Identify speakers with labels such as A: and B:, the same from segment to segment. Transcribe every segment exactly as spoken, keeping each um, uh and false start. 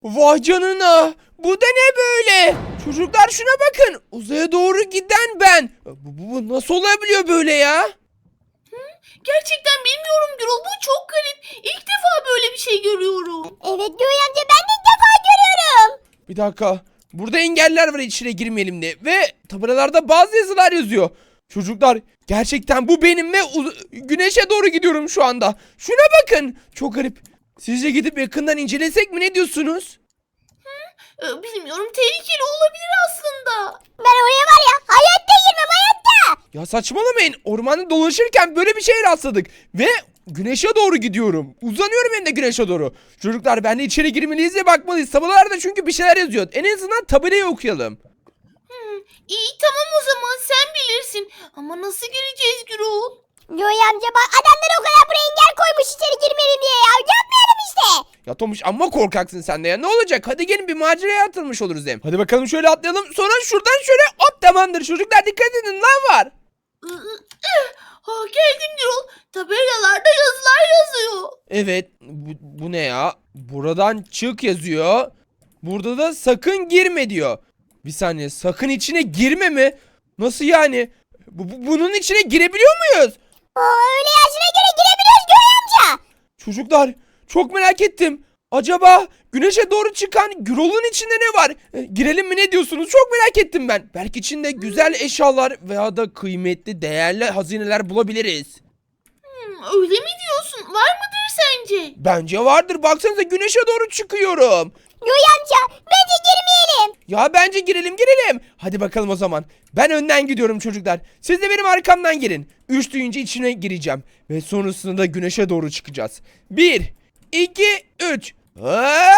A: Vay canına. Bu da ne böyle? Çocuklar şuna bakın. Uzaya doğru giden ben. Bu, bu- bu nasıl olabiliyor böyle ya?
B: Gerçekten bilmiyorum Gürol. Bu çok garip. İlk defa böyle bir şey görüyorum.
C: Evet Göğe amca, ben de ilk defa görüyorum.
A: Bir dakika. Burada engeller var, içine girmeyelim diye. Ve tabelalarda bazı yazılar yazıyor. Çocuklar, gerçekten bu benim ve uz- güneşe doğru gidiyorum şu anda. Şuna bakın. Çok garip. Sizce gidip yakından incelesek mi, ne diyorsunuz?
B: Ee, bilmiyorum. Tehlikeli olabilir aslında.
C: Ben oraya var ya hayatta girmem, hayatta.
A: Ya saçmalamayın. Ormanda dolaşırken böyle bir şeye rastladık. Ve güneşe doğru gidiyorum. Uzanıyorum hem de güneşe doğru. Çocuklar, ben de içeri girmeliyiz ve bakmalıyız. Tabelalarda çünkü bir şeyler yazıyor. En azından tabelayı okuyalım.
B: İyi tamam o zaman sen bilirsin. Ama nasıl gireceğiz Gürol?
C: Göğe amca bak, adamlar o kadar buraya engel koymuş içeri girmeyelim diye ya. Yapmayalım işte.
A: Ya Tomuş, amma korkaksın sen de ya. Ne olacak? Hadi gelin, bir maceraya atılmış oluruz hem. Hadi bakalım, şöyle atlayalım. Sonra şuradan şöyle hop, tamamdır. Çocuklar dikkat edin, lan var.
B: Ha, geldim Gürol. Tabelalarda yazılar yazıyor.
A: Evet, bu, bu ne ya? Buradan çık yazıyor. Burada da sakın girme diyor. Bir saniye, sakın içine girme mi? Nasıl yani? Bu, bu- bunun içine girebiliyor muyuz?
C: Oo, öyle yaşına göre girebiliyoruz Göğe amca.
A: Çocuklar, çok merak ettim. Acaba güneşe doğru çıkan Gürol'un içinde ne var? E, girelim mi, ne diyorsunuz? Çok merak ettim ben. Belki içinde güzel eşyalar veya da kıymetli, değerli hazineler bulabiliriz.
B: Hmm, öyle mi diyorsun? Var mıdır sence?
A: Bence vardır. Baksanıza, güneşe doğru çıkıyorum.
C: Göğe amca, bence girmeyelim.
A: Ya bence girelim girelim. Hadi bakalım o zaman. Ben önden gidiyorum çocuklar. Siz de benim arkamdan gelin. Üç duyunca içine gireceğim. Ve sonrasında da güneşe doğru çıkacağız. Bir, iki, üç. Aa!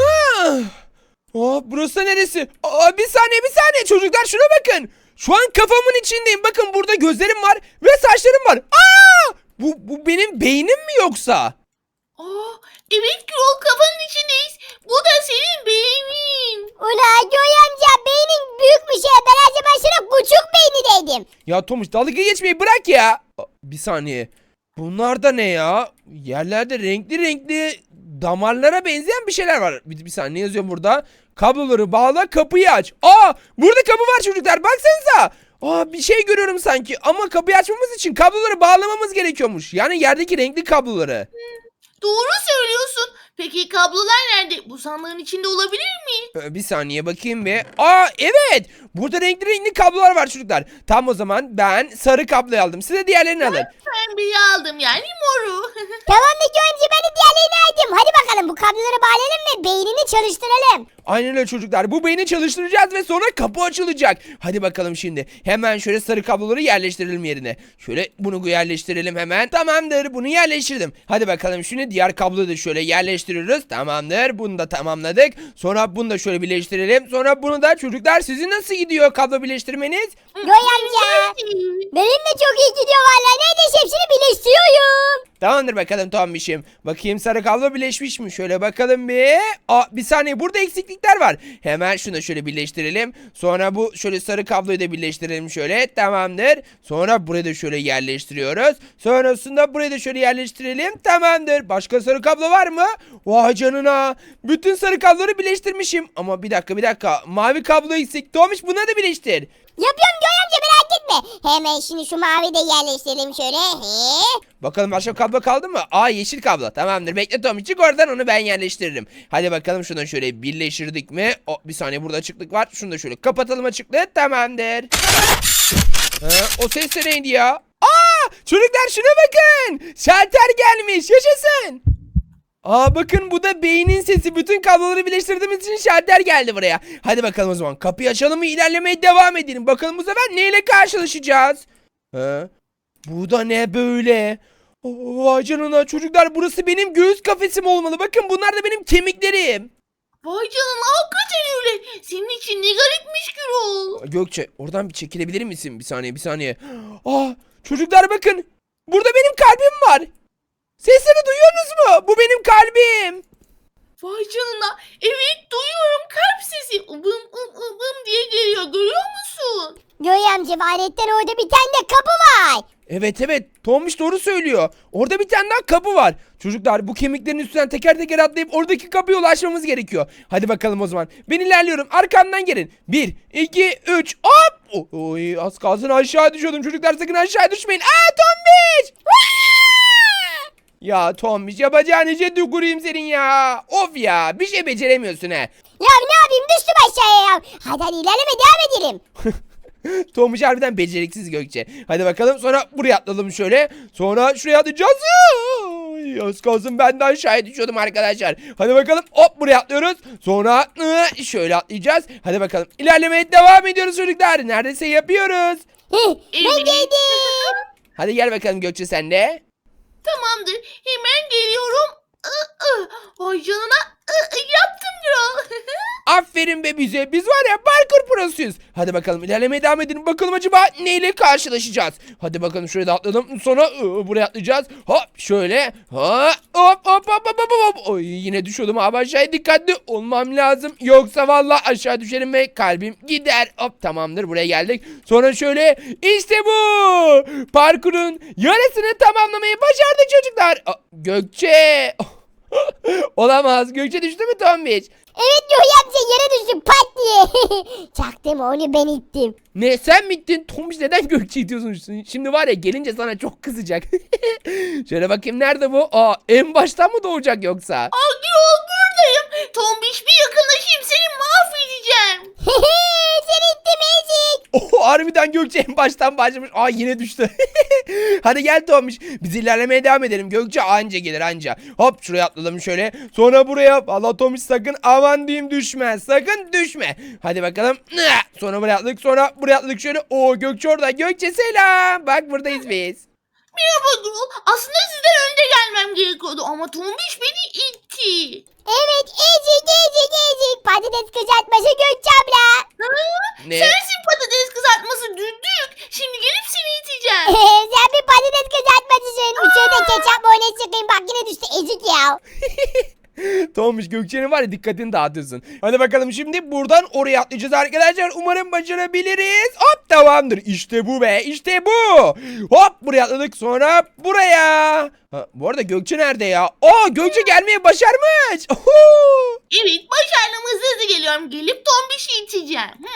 A: Aa, burası neresi? Aa, bir saniye bir saniye çocuklar, şuna bakın. Şu an kafamın içindeyim. Bakın, burada gözlerim var ve saçlarım var. Aa! Bu, bu benim beynim mi yoksa?
B: Aa, evet Gürol, kafanın içindeyiz. Bu da senin beynin.
C: Ula Göğe amca, beynin büyükmüş ya. Ben her zaman sana küçük beyni dedim.
A: Ya Tomuş, dalga geçmeyi bırak ya. Aa, bir saniye. Bunlar da ne ya? Yerlerde renkli renkli damarlara benzeyen bir şeyler var. Bir, bir saniye, ne yazıyor burada? Kabloları bağla, kapıyı aç. Aa, burada kapı var çocuklar, baksanıza. Aa, bir şey görüyorum sanki, ama kapıyı açmamız için kabloları bağlamamız gerekiyormuş. Yani yerdeki renkli kabloları.
B: Doğru söylüyorsun. Peki kablolar nerede? Bu sandığın içinde olabilir mi?
A: Ee, Bir saniye bakayım bir. Aa, evet. Burada renkli renkli kablolar var çocuklar. Tam o zaman ben sarı kabloyu aldım. Size diğerlerini alın.
B: Ben bir aldım yani moru.
C: Tamam da Göğe amca, ben de diğerlerini aldım. Hadi bakalım, bu kabloları bağlayalım ve beynini çalıştıralım.
A: Aynen öyle çocuklar. Bu beyni çalıştıracağız ve sonra kapı açılacak. Hadi bakalım şimdi. Hemen şöyle sarı kabloları yerleştirelim yerine. Şöyle bunu yerleştirelim hemen. Tamamdır. Bunu yerleştirdim. Hadi bakalım şimdi diğer kabloyu da şöyle yerleştiriyoruz. Tamamdır. Bunu da tamamladık. Sonra bunu da şöyle birleştirelim. Sonra bunu da, çocuklar sizin nasıl gidiyor kablo birleştirmeniz?
C: Göğe amca, benim de çok iyi gidiyor vallahi. Neredeyse hepsini birleştiriyorum.
A: Tamamdır bakalım Tombiş'im. Bakayım, sarı kablo birleşmiş mi? Şöyle bakalım bir. Aa, bir saniye, burada eksiklikler var. Hemen şunu da şöyle birleştirelim. Sonra bu şöyle sarı kabloyu da birleştirelim şöyle. Tamamdır. Sonra burayı da şöyle yerleştiriyoruz. Sonrasında burayı da şöyle yerleştirelim. Tamamdır. Başka sarı kablo var mı? Vay canına. Bütün sarı kabloları birleştirmişim. Ama bir dakika bir dakika. Mavi kablo eksik. Tombiş, buna da birleştir.
C: Yapıyorum Göğe amca, merak etme. Hemen şimdi şu mavi de yerleştirelim şöyle. He.
A: Bakalım başka kablo kaldı mı? Aa, yeşil kablo. Tamamdır. Bekle Tommy, çık oradan, onu ben yerleştiririm. Hadi bakalım, şunu şöyle birleştirdik mi? O, bir saniye, burada açıklık var. Şunu da şöyle kapatalım, açıklığı. Tamamdır. Ha, o ses de neydi ya? Aa, çocuklar şuna bakın. Şalter gelmiş. Yaşasın. Aa, bakın, bu da beynin sesi. Bütün kabloları birleştirdiğimiz için şalter geldi buraya. Hadi bakalım o zaman. Kapıyı açalım ve ilerlemeye devam edelim. Bakalım bu sefer neyle karşılaşacağız? Ha? Bu da ne böyle? Oo, vay canına çocuklar, burası benim göğüs kafesim olmalı. Bakın, bunlar da benim kemiklerim.
B: Vay canına, hakikaten öyle. Senin için ne garipmiş Gürol.
A: Gökçe, oradan bir çekilebilir misin? Bir saniye bir saniye. Aa, çocuklar bakın. Burada benim kalbim var. Sesleri duyuyorsunuz mu? Bu benim kalbim.
B: Vay canına. Evet duyuyorum, kalp sesi. Ubım ım ım ım diye geliyor, görüyor musun?
C: Göğe amca, valetten orada bir tane de kapı var.
A: Evet evet Tombiş doğru söylüyor. Orada bir tane daha kapı var. Çocuklar bu kemiklerin üstünden teker teker atlayıp oradaki kapıya ulaşmamız gerekiyor. Hadi bakalım o zaman. Ben ilerliyorum. Arkamdan gelin. Bir, iki, üç. Hop. O- Oy, az kalsın aşağı düşüyordum. Çocuklar sakın aşağı düşmeyin. Aa Tombiş. Ya Tombiş yapacağın işe tüküreyim senin ya. Of ya bir şey beceremiyorsun he.
C: Ya ne yapayım düştüm aşağıya ya. Hadi hadi ilerleme devam edelim.
A: Tomuş harbiden beceriksiz Gökçe. Hadi bakalım sonra buraya atladım şöyle. Sonra şuraya atlayacağız. Ay, az kalsın ben de aşağıya düşüyordum arkadaşlar. Hadi bakalım hop buraya atlıyoruz. Sonra ıı, şöyle atlayacağız. Hadi bakalım ilerlemeye devam ediyoruz çocuklar. Neredeyse yapıyoruz.
C: Heh, ben
B: Evet.
C: geldim.
A: Hadi gel bakalım Gökçe sen de.
B: Tamamdır. Hemen geliyorum. Ih, ih. Ay canına. Ih, ih, yaptım Gürol.
A: Aferin be bize. Biz var ya parkur prosuyuz. Hadi bakalım ilerlemeye devam edelim. Bakalım acaba neyle karşılaşacağız. Hadi bakalım şuraya da atladım. Sonra ıı, buraya atlayacağız. Hop şöyle. Ha, hop hop hop hop hop hop. Oy, yine düşüyordum abi aşağıya dikkatli olmam lazım. Yoksa vallahi aşağı düşerim ve kalbim gider. Hop tamamdır buraya geldik. Sonra şöyle işte bu. Parkurun yarısını tamamlamayı başardık çocuklar. Aa, Gökçe. Olamaz. Gökçe düştü mü Tombiç?
C: Evet Yoy amca yere düştüm pat diye. Çaktım onu ben ittim.
A: Ne sen mi ittin? Tombiç neden Gökçe itiyorsun? Şimdi var ya gelince sana çok kızacak. Şöyle bakayım nerede bu? Aa en baştan mı doğacak yoksa?
B: Aa Gürol buradayım. Tombiş bir yakınlaşayım seni mahvedeceğim.
C: Seni ittim ezik.
A: Oh harbiden Gökçe en baştan başlamış. Aa yine düştü. Hadi gel Tombiç. Biz ilerlemeye devam edelim. Gökçe anca gelir anca. Hop şuraya atladım şöyle. Sonra buraya. Valla Tombiç sakın aman diyeyim düşme. Sakın düşme. Hadi bakalım. Sonra buraya atladık. Sonra buraya atladık şöyle. Oo Gökçe orada. Gökçe selam. Bak buradayız biz.
B: Merhaba Gürol. Aslında sizden önce gelmem gerekiyordu ama Tombiş beni itti.
C: Evet ezik ezik ezik. Patates kızartması Gökçe abla.
B: Ha?
A: Ne?
B: Sensin patates kızartması düdük. Şimdi gelip seni iteceğim.
C: Sen bir patates kızartmasısın. Şurada ketçap mayonez sıkayım bak yine düştü ezik ya.
A: Tombiç Gökçe'nin var ya dikkatini dağıtıyorsun. Hadi bakalım şimdi buradan oraya atlayacağız arkadaşlar. Umarım başarabiliriz. Hop tamamdır. İşte bu be. İşte bu. Hop buraya atladık. Sonra buraya. Ha, bu arada Gökçe nerede ya? Aa Gökçe gelmeye başarmış. Oho.
B: Evet başardım hızlı hızlı geliyorum. Gelip Tombiş'i iteceğim. Hı.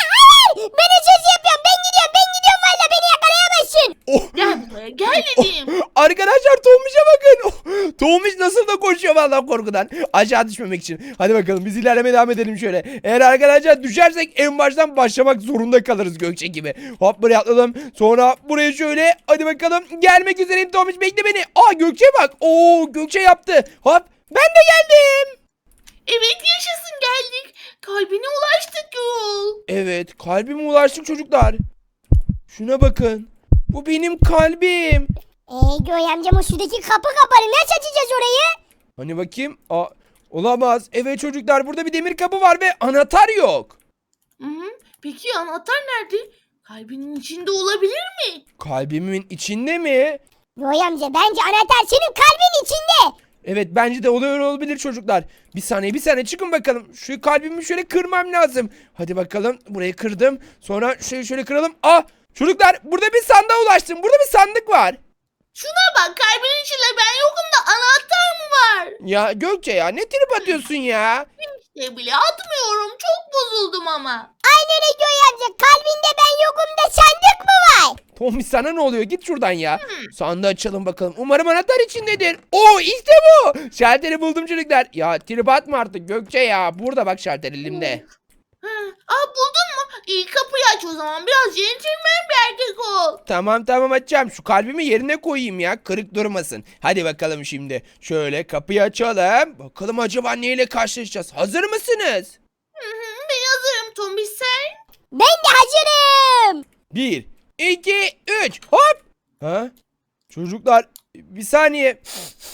C: Ben hiç söz yapıyorum ben gidiyorum ben gidiyorum valla beni yakalayamazsın.
A: Oh.
B: Gel buraya gel dedim.
A: Arkadaşlar Tombiş'e bakın. Oh, Tombiş nasıl da koşuyor vallahi korkudan. Aşağı düşmemek için. Hadi bakalım biz ilerlemeye devam edelim şöyle. Eğer arkadaşlar düşersek en baştan başlamak zorunda kalırız Gökçe gibi. Hop buraya atladım. Sonra buraya şöyle. Hadi bakalım. Gelmek üzereyim Tombiş bekle beni. Aa Gökçe bak. Oo Gökçe yaptı. Hop ben de geldim.
B: Evet yaşasın geldik. Kalbine ulaştık yol.
A: Evet kalbime ulaştık çocuklar. Şuna bakın. Bu benim kalbim.
C: Eee Yoy amcam o şuradaki kapı kapalı nasıl açacağız orayı?
A: Hani bakayım. Aa, olamaz. Evet çocuklar burada bir demir kapı var ve anahtar yok.
B: Hı hı. Peki anahtar nerede? Kalbinin içinde olabilir mi?
A: Kalbimin içinde mi?
C: Yoy amca bence anahtar senin kalbin içinde.
A: Evet bence de oluyor olabilir çocuklar. Bir saniye bir saniye çıkın bakalım. Şu kalbimi şöyle kırmam lazım. Hadi bakalım burayı kırdım. Sonra şöyle şöyle kıralım. Ah çocuklar burada bir sandığa ulaştım. Burada bir sandık var.
B: Şuna bak kalbinin içinde ben yokum da anahtar mı var?
A: Ya Gökçe ya ne trip atıyorsun ya?
B: İşte bile atmıyorum çok bozuldum ama.
C: Aynen öyle Yoy amca kalbinde ben yokum da sandık mı var?
A: Tommy sana ne oluyor? Git şuradan ya. Sandığı açalım bakalım. Umarım anahtar içindedir. Oo işte bu. Şalteri buldum çocuklar. Ya trip atma artık Gökçe ya. Burada bak şalter elimde.
B: Ha, aa buldun mu? İyi kapıyı aç o zaman biraz centilmen bir erkek ol.
A: Tamam tamam açacağım. Şu kalbimi yerine koyayım ya. Kırık durmasın. Hadi bakalım şimdi. Şöyle kapıyı açalım. Bakalım acaba neyle karşılaşacağız? Hazır mısınız?
B: Hı hı, ben hazırım Tombiş sen.
C: Ben de hazırım.
A: Bir, iki, üç. Hop. Ha? Çocuklar bir saniye.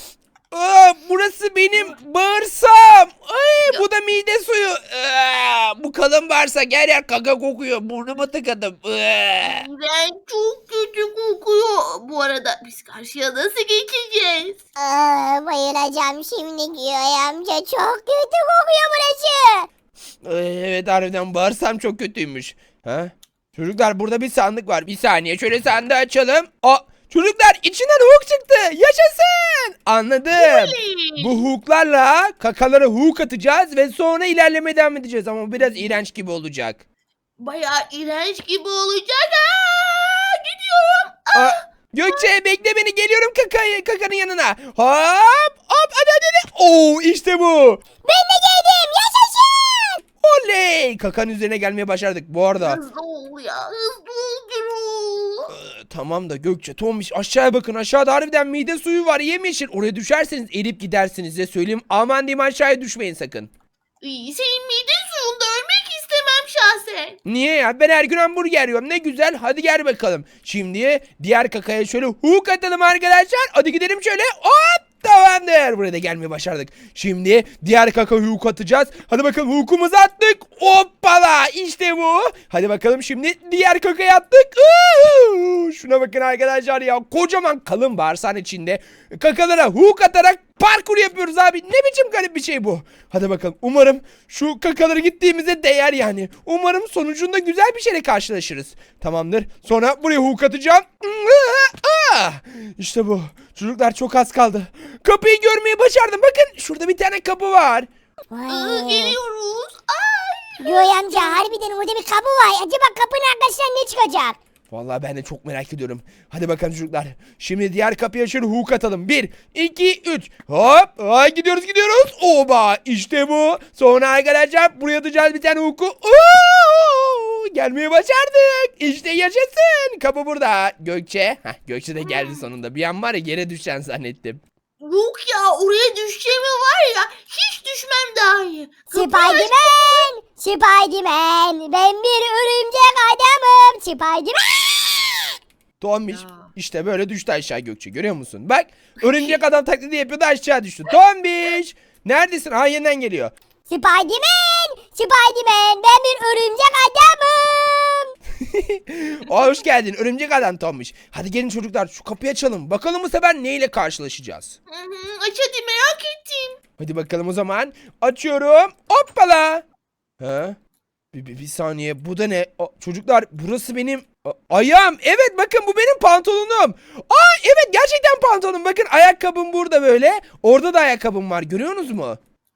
A: Aa, burası benim bağırsam. Ay, bu da mide suyu. Aa, bu kalın bağırsak her yer kaka kokuyor. Burnuma tıkadım. Aa.
B: Ben çok kötü kokuyor. Bu arada biz karşıya nasıl geçeceğiz?
C: Aa, bayılacağım şimdi Yoy amca çok kötü kokuyor burası.
A: Ay, evet harbiden bağırsam çok kötüymüş. Ha? Çocuklar burada bir sandık var. Bir saniye şöyle sandığı açalım. Aa, çocuklar içinden hook çıktı. Yaşasın. Anladım.
B: Oley.
A: Bu hooklarla kakalara hook atacağız ve sonra ilerlemeye devam edeceğiz. Ama biraz iğrenç gibi olacak.
B: Bayağı iğrenç gibi olacak. Aa, gidiyorum.
A: Aa, Gökçe bekle beni, geliyorum kakayı, kakanın yanına. Hop hop hadi hadi hadi. Oo işte bu.
C: Ben de geldim. Yaşasın.
A: Oley. Kakanın üzerine gelmeye başardık bu arada.
B: Hızlı ol ya. Hızlı ol Gürol.
A: Ee, Tamam da Gökçe, Tombiş aşağıya bakın, aşağıda harbiden mide suyu var yemyeşil. Oraya düşerseniz erip gidersiniz, size söyleyeyim. Aman diyeyim, aşağıya düşmeyin sakın.
B: İyi, senin mide suyunda ölmek istemem şahsen.
A: Niye ya? Ben her gün hamburger yiyorum. Ne güzel. Hadi gel bakalım. Şimdi diğer kakaya şöyle hook atalım arkadaşlar. Hadi gidelim şöyle. Hop! Tamamdır. Buraya da gelmeyi başardık. Şimdi diğer kaka hook atacağız. Hadi bakalım, hookumuzu attık. Hoppala. İşte bu. Hadi bakalım şimdi diğer kakaya attık. Uuu! Şuna bakın arkadaşlar ya. Kocaman kalın bağırsağın içinde kakalara hook atarak parkur yapıyoruz abi. Ne biçim garip bir şey bu. Hadi bakalım. Umarım şu kakaları gittiğimize değer yani. Umarım sonucunda güzel bir şeyle karşılaşırız. Tamamdır. Sonra buraya hook atacağım. Ah! İşte bu. Çocuklar çok az kaldı. Kapıyı görmeyi başardım. Bakın şurada bir tane kapı var.
B: Aa,
C: Vay.
B: geliyoruz. Ay.
C: Göğe amca harbiden orada bir kapı var. Acaba kapının arkasından ne çıkacak?
A: Vallahi ben de çok merak ediyorum. Hadi bakalım çocuklar. Şimdi diğer kapıya şöyle hook atalım. Bir, iki, üç. Hop. Ay, gidiyoruz gidiyoruz. Oba. İşte bu. Sonra arkadaşlar buraya atacağız bir tane hook'u. Oo! Gelmeyi başardık. İşte yaşasın. Kapı burada. Gökçe. Heh, Gökçe de geldi sonunda. Bir an var ya yere düşen zannettim.
B: Yok ya, oraya düşeceğimi var ya, hiç düşmem daha iyi. Kapıyı aç-
C: Spiderman! Spiderman! Ben bir örümcek adamım. Spiderman!
A: Tombiş
B: Ya.
A: işte böyle düştü aşağı Gökçe, görüyor musun? Bak, örümcek adam taklidi yapıyordu, aşağı düştü. Tombiş neredesin? Ha, yeniden geliyor.
C: Spiderman! Spiderman! Ben bir örümcek adamım.
A: Aa, hoş geldin örümcek adam Tombiş. Hadi gelin çocuklar, şu kapıyı açalım. Bakalım bu sefer neyle karşılaşacağız.
B: Hı hı, aç hadi, merak ettim.
A: Hadi bakalım o zaman. Açıyorum. Hoppala. Ha? Bir, bir, bir saniye, bu da ne? Aa, çocuklar burası benim a- ayağım. Evet bakın, bu benim pantolonum. Aa evet, gerçekten pantolonum. Bakın ayakkabım burada böyle. Orada da ayakkabım var, görüyorsunuz mu?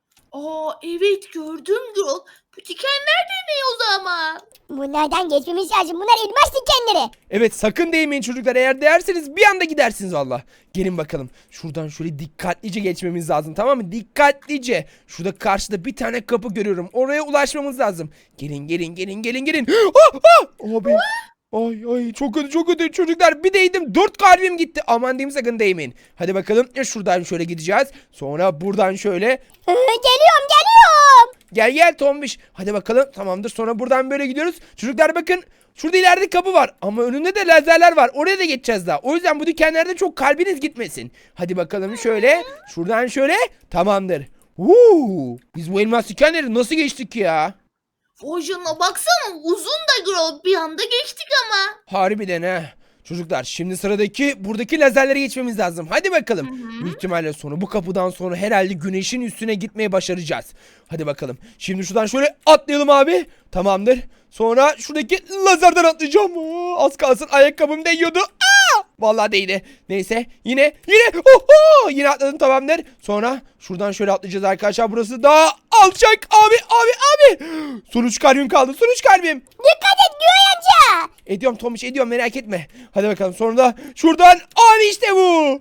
B: Aa, evet gördüm Gürol. Bu dikenler de ne o zaman?
C: Bunlardan geçmemiz lazım. Bunlar elmas dikenleri.
A: Evet, sakın değmeyin çocuklar, eğer değerseniz bir anda gidersiniz valla. Gelin bakalım, şuradan şöyle dikkatlice geçmemiz lazım, tamam mı? Dikkatlice. Şurada karşıda bir tane kapı görüyorum, oraya ulaşmamız lazım. Gelin gelin gelin gelin gelin. Ah, ah! Abi. Ay ay, çok kötü çok kötü çocuklar, bir değdim dört kalbim gitti. Aman diyeyim, sakın değmeyin. Hadi bakalım, ya şuradan şöyle gideceğiz. Sonra buradan şöyle.
C: Hı, geliyorum geliyorum.
A: Gel gel Tombiş. Hadi bakalım, tamamdır. Sonra buradan böyle gidiyoruz. Çocuklar bakın, şurada ileride kapı var. Ama önünde de lazerler var. Oraya da geçeceğiz daha. O yüzden bu dükkanlarda çok kalbiniz gitmesin. Hadi bakalım şöyle. Şuradan şöyle. Tamamdır. Uuu. Biz bu elmas dükkanları nasıl geçtik ya?
B: Vajana baksana, uzun da Gürol, bir anda geçtik ama.
A: Harbiden ha. Çocuklar şimdi sıradaki buradaki lazerlere geçmemiz lazım. Hadi bakalım. Büyük ihtimalle sonra bu kapıdan sonra herhalde güneşin üstüne gitmeyi başaracağız. Hadi bakalım. Şimdi şuradan şöyle atlayalım abi. Tamamdır. Sonra şuradaki lazerden atlayacağım. Aa, az kalsın ayakkabım değiyordu. Aa! Vallahi değdi. Neyse yine yine oho! Yine atladım, tamamdır. Sonra şuradan şöyle atlayacağız arkadaşlar. Burası daha alçak abi abi abi. Son üç kalbim kaldı. Son üç kalbim.
C: Dikkat et Göğe amca.
A: Ediyorum Tomiş, ediyorum, merak etme. Hadi bakalım, sonra da şuradan abi işte bu.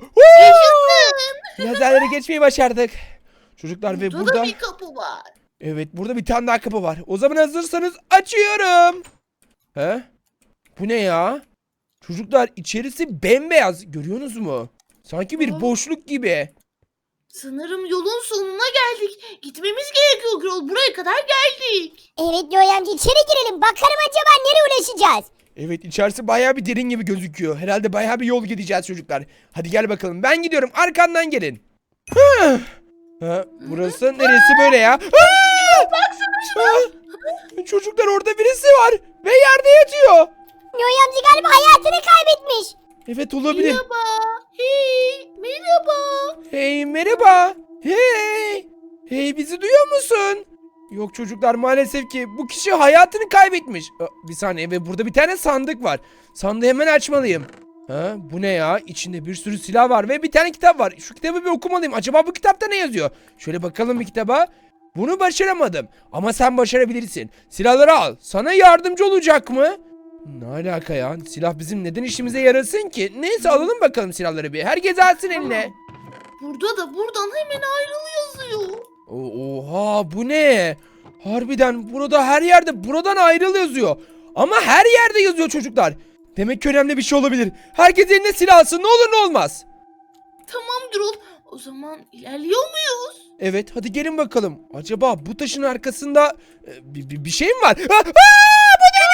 A: Woo! Lazerleri geçmeyi başardık. Çocuklar ve
B: Burada
A: burada
B: da bir kapı var.
A: evet, burada bir tane daha kapı var. O zaman hazırsanız açıyorum. He? Bu ne ya? Çocuklar içerisi bembeyaz, görüyorsunuz mu? Sanki bir
B: Aa.
A: boşluk gibi.
B: Sanırım yolun sonuna geldik. Gitmemiz gerekiyor Gürol, buraya kadar geldik.
C: Evet Göğe amca, içeri girelim. Bakalım acaba nereye ulaşacağız.
A: Evet, içerisi bayağı bir derin gibi gözüküyor. Herhalde bayağı bir yol gideceğiz çocuklar. Hadi gel bakalım, ben gidiyorum, arkandan gelin. Hı. Ha, burası neresi böyle ya? Baksana. Çocuklar, orada birisi var ve yerde yatıyor.
C: Göğe amca galiba hayatını kaybetmiş.
A: Evet, olabilir.
B: Merhaba. Hey, merhaba.
A: Hey merhaba. Hey. Hey, bizi duyuyor musun? Yok çocuklar, maalesef ki bu kişi hayatını kaybetmiş. Aa, bir saniye, ve burada bir tane sandık var. Sandığı hemen açmalıyım. Ha, bu ne ya? İçinde bir sürü silah var ve bir tane kitap var. Şu kitabı bir okumalıyım. Acaba bu kitapta ne yazıyor? Şöyle bakalım bir kitaba. Bunu başaramadım. Ama sen başarabilirsin. Silahları al. Sana yardımcı olacak mı? Ne alaka ya? Silah bizim neden işimize yarasın ki? Neyse, alalım bakalım silahları bir. Herkes alsın eline.
B: Burada da buradan hemen ayrıl yazıyor.
A: O- Oha, bu ne? Harbiden burada her yerde buradan ayrıl yazıyor. Ama her yerde yazıyor çocuklar. Demek ki önemli bir şey olabilir. Herkes eline silah alsın, ne olur ne olmaz.
B: Tamam Gürol. O zaman ilerliyor muyuz?
A: Evet, hadi gelin bakalım. Acaba bu taşın arkasında e, bir, bir, bir şey mi var? Aa, aa, bu ne?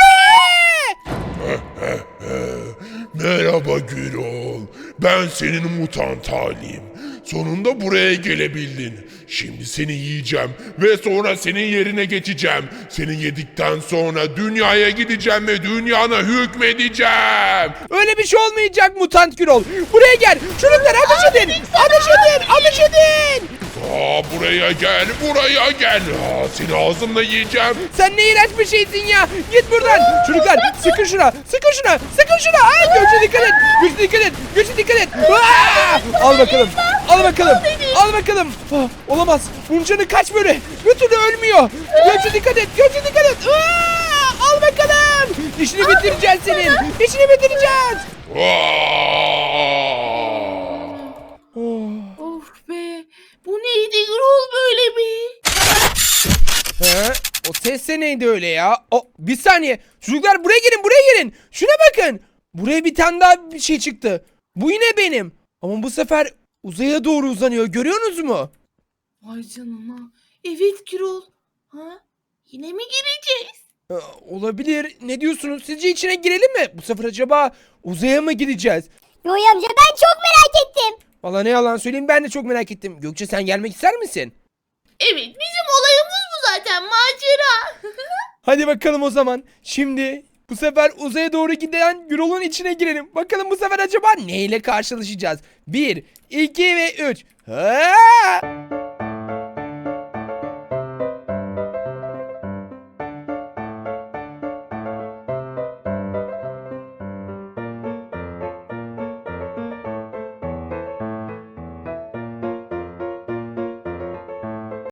D: Merhaba Gürol. Ben senin mutant halim. Sonunda buraya gelebildin. Şimdi seni yiyeceğim ve sonra senin yerine geçeceğim. Seni yedikten sonra dünyaya gideceğim ve dünyana hükmedeceğim.
A: Öyle bir şey olmayacak mutant Gürol. Buraya gel. Çocuklar ateş edin. Ateş edin. Ateş edin.
D: Aa, buraya gel, buraya gel. Aa, seni ağzımla yiyeceğim.
A: Sen ne iğrenç bir şeysin ya. Git buradan. Çocuklar sıkın şuna. Sıkın şuna. Sıkın şuna. Ay, Gökçe dikkat et. Gökçe dikkat et. Gökçe dikkat et. Aa! Al bakalım. Al bakalım. Al bakalım. Ah, olamaz. Bunun canı kaç böyle? Bir türlü ölmüyor. Gökçe dikkat et. Gökçe dikkat et. Aa! Al bakalım. İşini bitireceğiz senin. İşini bitireceğiz.
D: Aa!
A: Oh.
B: Of be. Bu neydi Gürol böyle bir?
A: He? O ses de neydi öyle ya? O, bir saniye. Çocuklar buraya gelin, buraya gelin. Şuna bakın. Buraya bir tane daha bir şey çıktı. Bu yine benim. Ama bu sefer uzaya doğru uzanıyor. Görüyorsunuz mu?
B: Vay canına. Evet Gürol. Ha? Yine mi gireceğiz?
A: Ee, olabilir. Ne diyorsunuz? Sizce içine girelim mi? Bu sefer acaba uzaya mı gideceğiz?
C: Yoy amca ben çok merak ettim.
A: Valla ne yalan söyleyeyim, ben de çok merak ettim. Gökçe, sen gelmek ister misin?
B: Evet, bizim olayımız bu zaten, macera.
A: Hadi bakalım o zaman. Şimdi bu sefer uzaya doğru giden Gürol'un içine girelim. Bakalım bu sefer acaba neyle karşılaşacağız? Bir, iki ve üç. Ha!